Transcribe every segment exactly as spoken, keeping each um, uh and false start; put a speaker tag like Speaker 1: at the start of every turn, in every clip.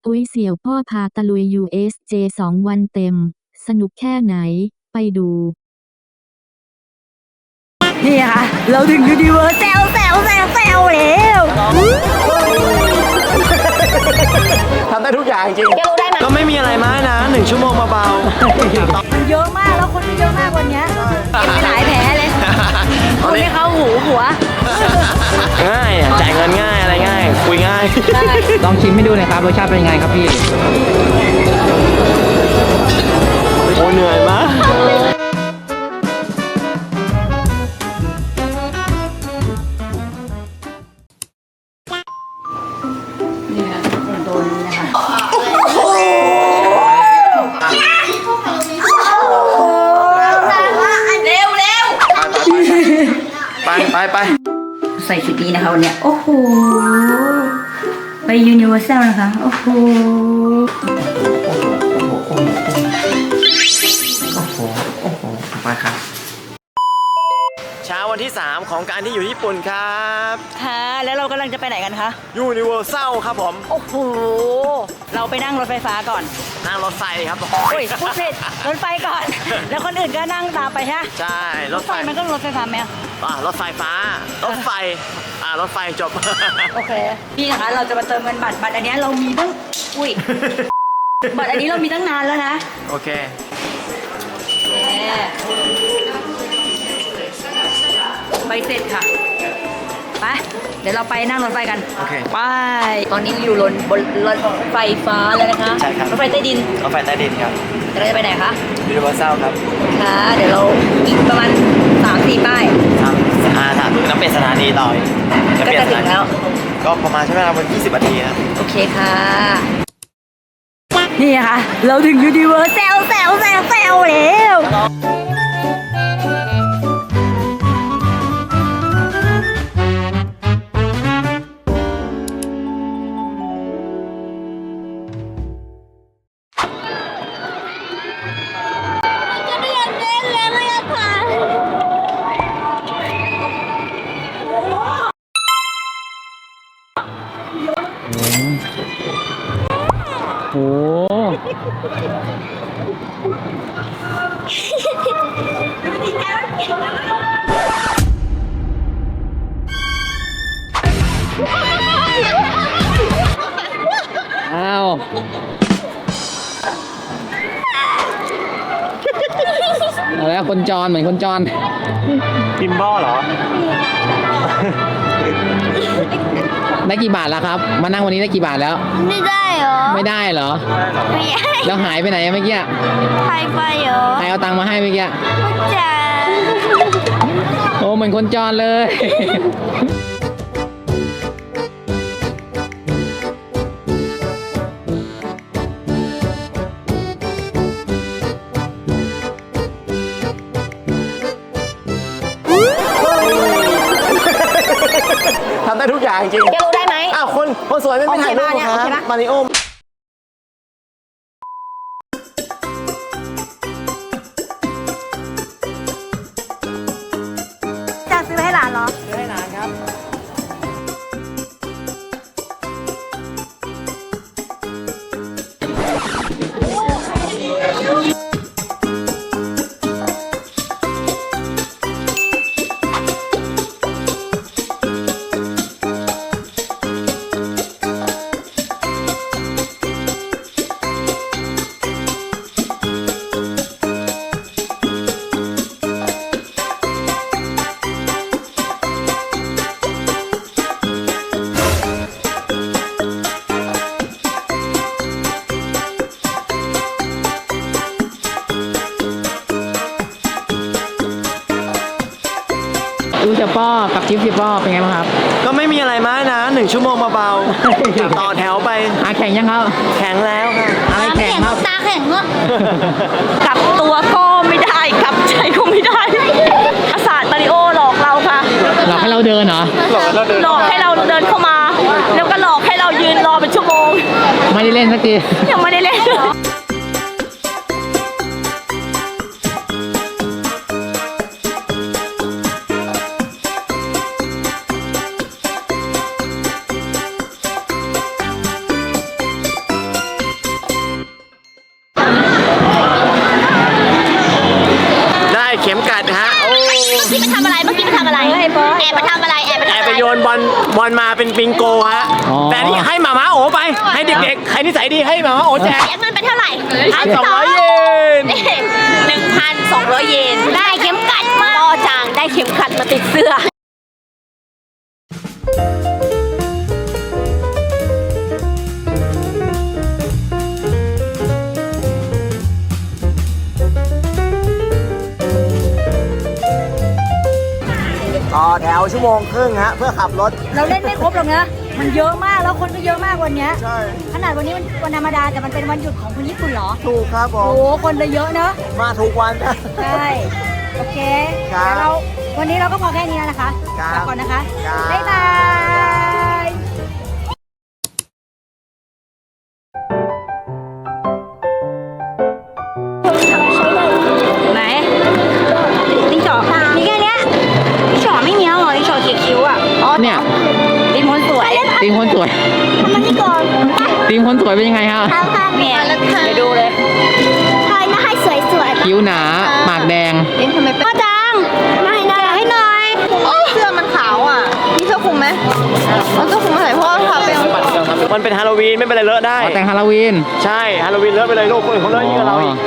Speaker 1: ตุ้ยเสี่ยวพ่อพาตะลุย ยู เอส เจ สองวันเต็มสนุกแค่ไหนไปดู
Speaker 2: นี่ค่ะเราถึงยูนิเวอร์แซลแซลแซลแซลแล้ว
Speaker 3: ทำได้ทุกอย่างจริง
Speaker 2: แกรู้ได้ไหม
Speaker 3: ก็ไม่มีอะไรมากนะหนึ่งชั่วโมงเบาๆ
Speaker 2: มันเยอะมากแล้วคนเยอะมากวันนี้เก็บไปหลายแผลเลยคนที่เขาหูหัว
Speaker 3: ง่ายจ่ายเงินง่ายอะไรง่ายคุยง่าย
Speaker 4: ลองชิมให้ดูหน่อยครับรสชาติเป็นยังไงครับพี่
Speaker 3: โอ้เหนื่อยมาก
Speaker 2: นี่ค่ะโดนนี้นะคะเร็วเร็ว
Speaker 3: ไปไปไป
Speaker 2: ใส่ชุดนี้นะคะวันนี้โอ้โหไปยูนิเวอร์แซลนะคะโอ้โห
Speaker 3: ไปครับเช้าวันที่สามของการที่อยู่ญี่ปุ่นครับ
Speaker 2: ค่ะแล้วเรากำลังจะไปไหนกันคะ
Speaker 3: ยูนิเวอร์แซลครับผม
Speaker 2: โอ้โหเราไปนั่งรถไฟฟ้าก่อน
Speaker 3: นั่งรถไฟครับ
Speaker 2: โอ้ยพูดผิดรถไฟก่อนแล้วคนอื่นก็นั่งตามไปใช่
Speaker 3: ใช่
Speaker 2: รถไฟมันก็รถไฟฟ้าไหม
Speaker 3: อ่ารถไฟฟ้ารถไฟอ่ารถไฟจบ
Speaker 2: โอเคนี่นะคะเราจะมาเติมเงินบัตรบัตรอันนี้เรามีตั้งอุ้ยบัตรอันนี้เรามีตั้งนานแล้วนะ
Speaker 3: โอเค
Speaker 2: ใบเสร็จค่ะไปเดี๋ยวเราไปนั่งรถไฟกัน
Speaker 3: โอเค
Speaker 2: ไปตอนนี้อยู่บนบนรถไฟฟ้าแล้วนะคะ
Speaker 3: ใช่ครับ
Speaker 2: รถไฟใต้ดิน
Speaker 3: รถไฟใต้ดินครับ
Speaker 2: เราจะไปไหนคะ
Speaker 3: ยูนิเวอร์แซลครับ
Speaker 2: ค่ะเดี๋ยวเราอีกประมาณสามสี่ป้าย
Speaker 3: ครับอ่าถ้าน้ำเป็นสถานีต่อ
Speaker 2: ก็จะถึงแล้ว
Speaker 3: ก็ประมาณใช้เวลาประมาณยี่สิบนาทีครับ
Speaker 2: โอเคค่ะนี่ค่ะเราถึงยูนิเวอร์แซลแซลแซลแซลแล้ว
Speaker 4: โอ้อ้าวเอาแล้วคนจรเหมือนคนจร
Speaker 3: กิมบอลเหรอ
Speaker 4: ได้กี่บาทแล้วครับมานั่งวันนี้ได้กี่บาทแล้ว
Speaker 5: ไม่ได้เหรอ
Speaker 4: ไม่ได้เหรอ
Speaker 5: ไม่ได้
Speaker 4: แล้วหายไปไหนเมื่อกี้
Speaker 5: ใครไปเหรอ
Speaker 4: ใครเอาตังค์มาให้เมื่อกี้
Speaker 5: จ๋า
Speaker 4: โอ้เหมือนคนจรเลย
Speaker 3: ทำได้ทุกอย่างจริง
Speaker 2: แกรู้ได้ไหม
Speaker 3: อ้าวคนคนสวยไม่ไปถ่ายรูปครับมาริโอ
Speaker 2: จะซื้อให้หลานเหรอ
Speaker 3: ซื้อให้หลานครับ
Speaker 4: ดูจะป้อกับทิปจะป้อเป็นไงบ้างครับ
Speaker 3: ก็ไม่มีอะไรมากนะหนึ่งชั่วโมงเบาๆต่อแถวไป
Speaker 4: อาแข่งยังครับ
Speaker 3: แข็งแล้วค่ะ
Speaker 4: อะไรแข่งครับ
Speaker 5: ตาแข็งเนอะ
Speaker 2: กลับตัวก็ไม่ได้กลับใจก็ไม่ได้อาสามาริโอหลอกเราค่ะ
Speaker 4: หลอกให้เราเดินเหรอ
Speaker 2: หลอกให้เราเดินเข้ามาแล้วก็หลอกให้เรายืนรอเป็นชั่วโมง
Speaker 4: ไม่ได้เล่นสักที
Speaker 2: ยังไม่ได้เล่น
Speaker 3: ปิงโกฮะ
Speaker 4: อ๋อ
Speaker 3: แต่นี่ให้หมาม้าโอไป ให้เด็กๆ ใครนิสัยดีให้หมาม้าโอแจก
Speaker 5: เสียเงินไปเท่าไหร่
Speaker 3: พันสองร้อยเยน
Speaker 5: หนึ่งพันสองร้อยเยน ได้เข็มขัดมาต่อจางได้เข็มขัดมาติดเสื้อ
Speaker 3: ต่อแถวชั่วโมงครึ่งฮะเพื่อขับรถ
Speaker 2: เราเล่นไม่ครบหรอกนะมันเยอะมากแล้วคนก็เยอะมากวันเนี้ย
Speaker 3: ใช่
Speaker 2: ขนาดวันนี้มันวันธรรมดาแต่มันเป็นวันหยุดของคนญี่ปุ่นเหรอ
Speaker 3: ถูกครับผ
Speaker 2: โอ้
Speaker 3: ม
Speaker 2: โหคนเลยเยอะเนอะ
Speaker 3: มาถูกวันนะ
Speaker 2: ใช่โอเค
Speaker 3: ครับ
Speaker 2: เดี๋ยวเราวันนี้เราก็พอแค่นี้แล้วนะคะ
Speaker 3: ครับ
Speaker 2: ลาก่อนนะคะ
Speaker 3: ครับ
Speaker 2: บ๊ายบาย ไหนลิ้นจ่อมีแค่เนี้ยลิ้นจ่อไม่มีแล้วเหรอลิ้นจ่อเขียคิ้วอ่ะอ๋อ
Speaker 4: เนี่ย
Speaker 2: ลิ้นม้วนสวย
Speaker 4: ทีมคนสวย
Speaker 5: ทำมันนี่ก่อน
Speaker 4: ทีมคนสวยเป็นยังไงฮะ
Speaker 5: ทำค่ะ
Speaker 2: เนี่ยไปดูเลย
Speaker 5: ทอยมาให้สวยๆ
Speaker 4: คิ้วหนา ปากแดง
Speaker 5: ลิ้นทำไมเป็นพ่อจังมาให้หน่อยให้หน่อย
Speaker 6: เสื้อมันขาวอ่ะมีเสื้อคลุมไหมเอาเสื้อคลุมมาใส่เพราะว่าทาเป็น
Speaker 3: มันเป็นฮาโลวีนไม่เป็นไรเลอะได้
Speaker 4: อ๋อแต่งฮาโลวีน
Speaker 3: ใช่ฮาโลวีนเลอะไปเลยลูกคนอื่นเขาเลอะยิ่งกว่าเราอีก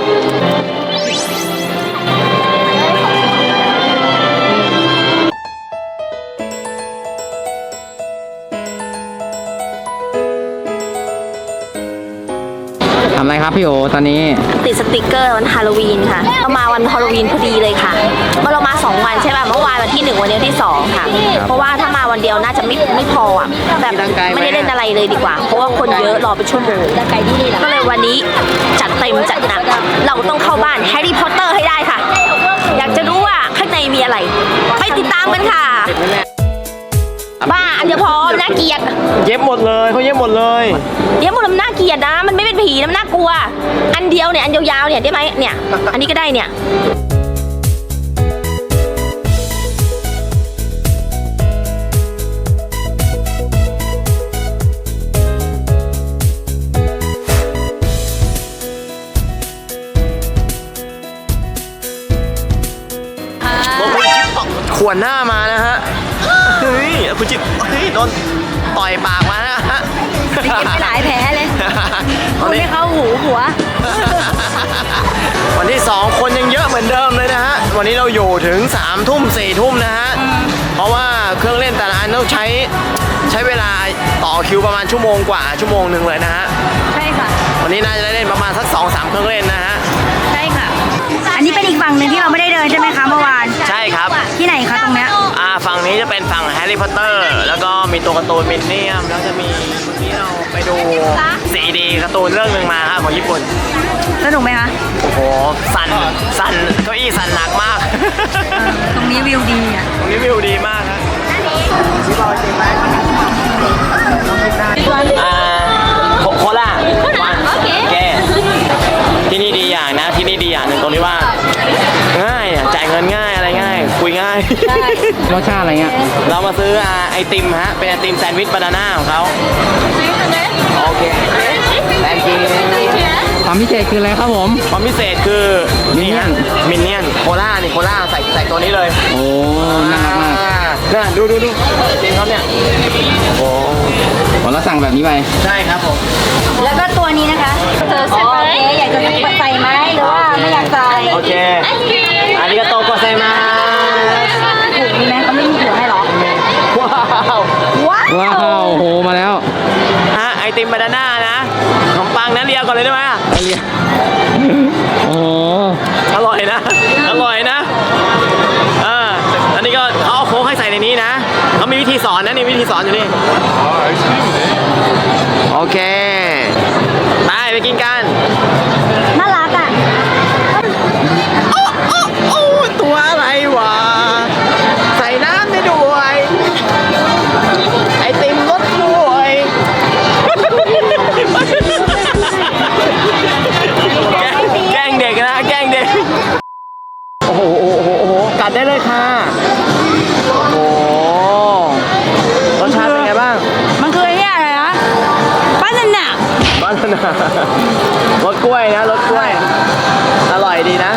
Speaker 4: ทำอะไรครับพี่โอตอนนี้
Speaker 5: ติดสติกเกอร์วันฮาโลวีนค่ะเรามาวันฮาโลวีนพอดีเลยค่ะเมื่อเรามาสองวันใช่ป่ะเมื่อวานวันที่หนึ่งวันนี้วันที่สองค่ะ เพราะว่าถ้ามาวันเดียวน่าจะไม่ไม่พออ่ะแบบไม่ได้เล่นอะไรเลยดีกว่า เพราะว่าคนเยอะรอเป็นชั่วโมงก็เลยวันนี้จัดเต็มจัดหนักเราต้องเข้าบ้านแฮร์รี่พอตเตอร์ให้ได้ค่ะ อยากจะรู้ว่าข้างในมีอะไรไปติดตามกันค่ะ บ้าอันเดียวพอน่าเกลียด
Speaker 3: เย็บหมดเลยเขาเย็บหมดเลย
Speaker 5: เดี๋ยวมันน่าเกลียดนะ มันไม่เป็นผีนะมันน่ากลัว อันเดียวเนี่ยอันยาวๆเนี่ยได้ไหมเนี่ย อันนี้ก็ได้เนี่ย
Speaker 3: ขวนหน้ามานะฮะ เฮ้ยคุณจิตเฮ้ยโดนต่อยปากมานะฮะ
Speaker 2: เย็บไปหลายแผลเลย
Speaker 3: ตอน
Speaker 2: คุณ
Speaker 3: นี้
Speaker 2: ไม่เข้าหูหัว
Speaker 3: วันที่สองคนยังเยอะเหมือนเดิมเลยนะฮะ วันนี้เราอยู่ถึงสามทุ่มสี่ทุ่มนะฮะ เพราะว่าเครื่องเล่นแต่ละอันต้องใช้ใช้เวลาต่อคิวประมาณชั่วโมงกว่าชั่วโมงหนึ่งเลยนะฮะ
Speaker 2: ใช่ค่ะ
Speaker 3: วันนี้น่าจะได้เล่นประมาณสักสองสามเครื่องเล่นนะฮะ
Speaker 2: ใช่ค่ะ อันนี้เป็นอีกฝั่งหนึ่งที่เราไม่ได้เดินใช่ไหมคะเมื่อวาน
Speaker 3: ใช่ครับ
Speaker 2: ที่ไหนคะตรงเนี้ย
Speaker 3: อ่าฝั่งนี้จะเป็นฝั่งแฮร์รี่พอตเตอร์ แล้วก็มีตัวการ์ตูนมินเนี่ยม แล้วจะมีเมื่อกี้เราไปดูซีดีการ์ตูนเรื่องหนึ่งมาครับของญี่ปุ่น
Speaker 2: สนุกไหมคะ
Speaker 3: โอ้โห สั่น สั่น เก้าอี้สั่นหนักมาก
Speaker 2: ตรงนี้วิวดีอ่ะ
Speaker 3: ตรงนี้วิวดีมากครับอ่าโคโคล่าวันแกที่นี่ดีอย่างนะ ที่นี่ดีอย่างหนึ่งตรงที่ว่า ง่ายอ่ะจ่ายเงินง่ายอะไรง่าย คุยง่าย
Speaker 4: รสชาติอะไรเงี้ย
Speaker 3: เรามาซื้ออ่าไอติมฮะ เป็นไอติมแซนด์วิชบานาน่าของเขาโอเคแซนด์วิช
Speaker 4: ความพิเศษคืออะไรครับผม
Speaker 3: ความพิเศษคือนี่ฮะมินเนี่ยนโคล่านี่โคล่าใส่ใส่ตัวนี้เลย
Speaker 4: โอ้ น่ารักมาก
Speaker 3: น่าดูดูดูจริงครับเนี่ยโอ้
Speaker 4: ผมเราสั่งแบบนี้ไป
Speaker 3: ใช่ครับผม
Speaker 2: แล้วก็ตัวนี้นะคะเธอโอเคอยากจะใส่ไหมหรือว่าไม่อยากใส่
Speaker 3: โอเคอาริกาโตโกไซมา
Speaker 2: ถูกมีไหมเขาไม่มีถุงให้หรอ
Speaker 3: ว้าว
Speaker 2: ว้าว
Speaker 4: ว้าว โห มาแล้ว
Speaker 3: ฮะไอติมบานาน่านะขนมปังนั้นเรียก่อนเลยได้ไหมอะ
Speaker 4: โอ้โห
Speaker 3: อร่อยนะ อร่อยนะเอออันนี้ก็เขาเอาโค้กให้ใส่ในนี้นะเขามีวิธีสอนนะนี่วิธีสอนอยู่นี่โอเคไปไปกินกัน
Speaker 2: น่ารักอ่ะ
Speaker 3: โอ้โอ้ตัวอะไรวะใส่น้ำได้ด้วยไอติมรสด้วยแกล้งแกล้งเด็กนะแกล้งเด็กโอ้โหโอ้โหโอ้โหกัดได้เลยค่ะโอ้โหรสชาติเป็นไงบ้าง
Speaker 2: มันคือไอ้เนี่ยอะไรนะบ้านนั่นน่ะ
Speaker 3: บ้านนะรสกล้วยนะรสกล้วยอร่อยดีนะ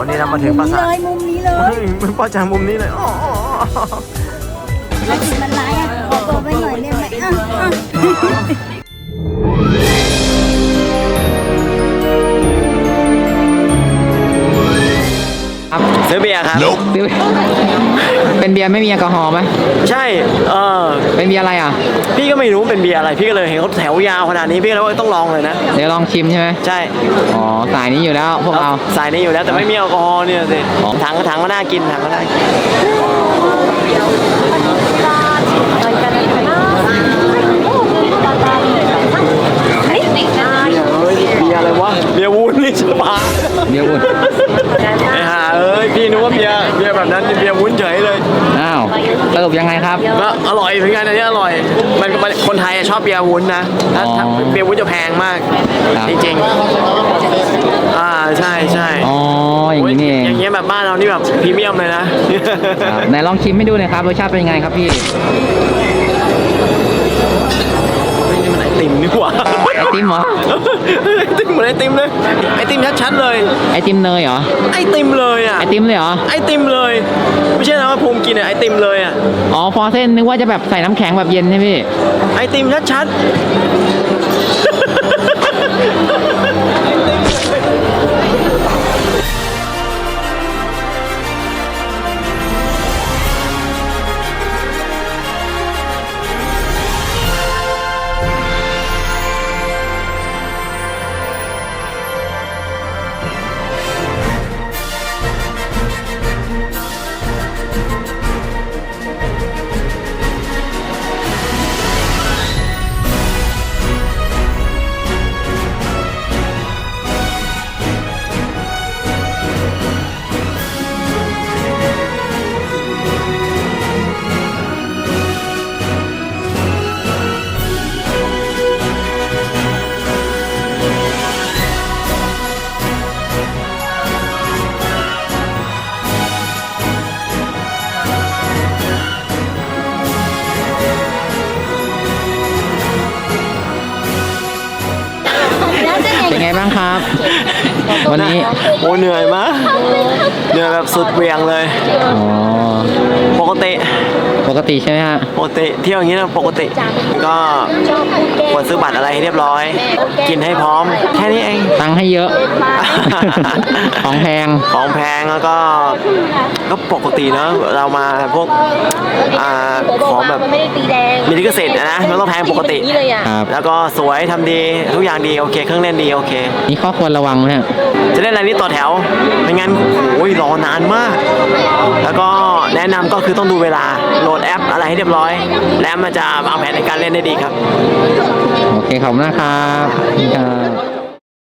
Speaker 3: นี่เรามาถึงปราสาท
Speaker 2: เลยมุมนี้เลย
Speaker 3: เฮ้ยมันป้าจางมุมนี้เลยอ๋ออ๋ออ๋อ
Speaker 2: แล้วกินมันร้ายอ่ะขอตัวไปหน่อยได้ไหมอ่ะอ่ะ
Speaker 4: ครับ
Speaker 3: ซื้อเบียร์ครับ
Speaker 4: ซื้อเป็นเบียร์ไม่มีแอลกอฮอล์ไหม
Speaker 3: ใช่เออ
Speaker 4: เป็นเบียร์อะไรอ่ะ
Speaker 3: พี่ก็ไม่รู้เป็นเบียร์อะไรพี่ก็เลยเห็นเขาแถวยาวขนาดนี้พี่ก็เลยว่าต้องลองเลยนะ
Speaker 4: เดี๋ยวลองชิมใช่ไหม
Speaker 3: ใช่
Speaker 4: อ๋อสายนี้อยู่แล้วพวกเรา
Speaker 3: สายนี้อยู่แล้วแต่ไม่มีแอลกอฮอล์เนี่ยสิ
Speaker 4: อ๋อ
Speaker 3: ถังก็ถังก็น่ากินถังก็น่ากินเฮ้ยเบียร์อะไรวะเบียร์วูดนี่ใช่ปะ
Speaker 4: เบียร์อุ่น
Speaker 3: ไอ้ห่าเอ้ยพี่นึกว่าเบียร์เบียร์แบบนั้นเบียร์วุ้นเฉยเลย
Speaker 4: อ้าวสรุปยังไงครับ
Speaker 3: ก็อร่อยเหมือนกันอันนี้อร่อย มันก็คนไทยอะชอบเบียร์วุ้นนะถ้า
Speaker 4: อ๋อ
Speaker 3: ถ้าเบียร์วุ้นจะแพงมาก
Speaker 4: ครับ
Speaker 3: จริงๆอ่าใช่ใช่
Speaker 4: อ๋ออย่างนี้นี่เอง
Speaker 3: อย่างเงี้ยแบบบ้านเรานี่แบบพรีเมียมเลยนะ
Speaker 4: ครับไหนลองชิมให้ดูหน่อยครับรสชาติเป็นยังไงครับพี่
Speaker 3: ไม่นี่มันไอติมนี่หว่า
Speaker 4: ไอติมเหรอ
Speaker 3: ไอติมเหมือนไอติมเลยไอติมชัดๆเลย
Speaker 4: ไอติมเนยเหรอ
Speaker 3: ไอติมเลยอ่ะ
Speaker 4: ไอติมเลยเหรอ
Speaker 3: ไอติมเลย ไม่ใช่นะว่าภูมิกินอะไอติมเลยอ่ะ
Speaker 4: อ๋อฟอร์เซนนึกว่าจะแบบใส่น้ำแข็งแบบเย็นใช่ไหมพี่
Speaker 3: ไอติมชัด
Speaker 4: เป็นไงบ้างครับ วันนี้
Speaker 3: โอ้เหนื่อยมากเหนื่อยแบบสุดเหวียงเลย
Speaker 4: อ๋อ
Speaker 3: ปกติ
Speaker 4: ปกติใช่ไหมฮะ
Speaker 3: ปกติเที่ยวอย่างนี้นะปกติ ก็ควรซื้อบัตรอะไรให้เรียบร้อย กินให้พร้อม แค่นี้เอง
Speaker 4: ตังค์ให้เยอะ ของแพง
Speaker 3: ของแพงแล้วก็ก็ปกติเนอะเรามาพวกอ่าของแบบมีลิขสิทธิ์นะมันต้องแพงปกติ
Speaker 4: ครับ
Speaker 3: แล้วก็สวยทำดีทุกอย่างดีโอเคเครื่องเล่นดีโอเค
Speaker 4: นี่ข้อควรระวังไหมฮะ
Speaker 3: จะเล่นอะไรนี่ต่อแถวไม่งั้นโอ้ยรอนานมาก แล้วก็แนะนำก็คือต้องดูเวลาโหลดแอปอะไรให้เรียบร้อย แล้วมันจะวางแผนในการเล่นได้ดีครับ
Speaker 4: โอเคขอบคุณนะครับขอบคุณครับ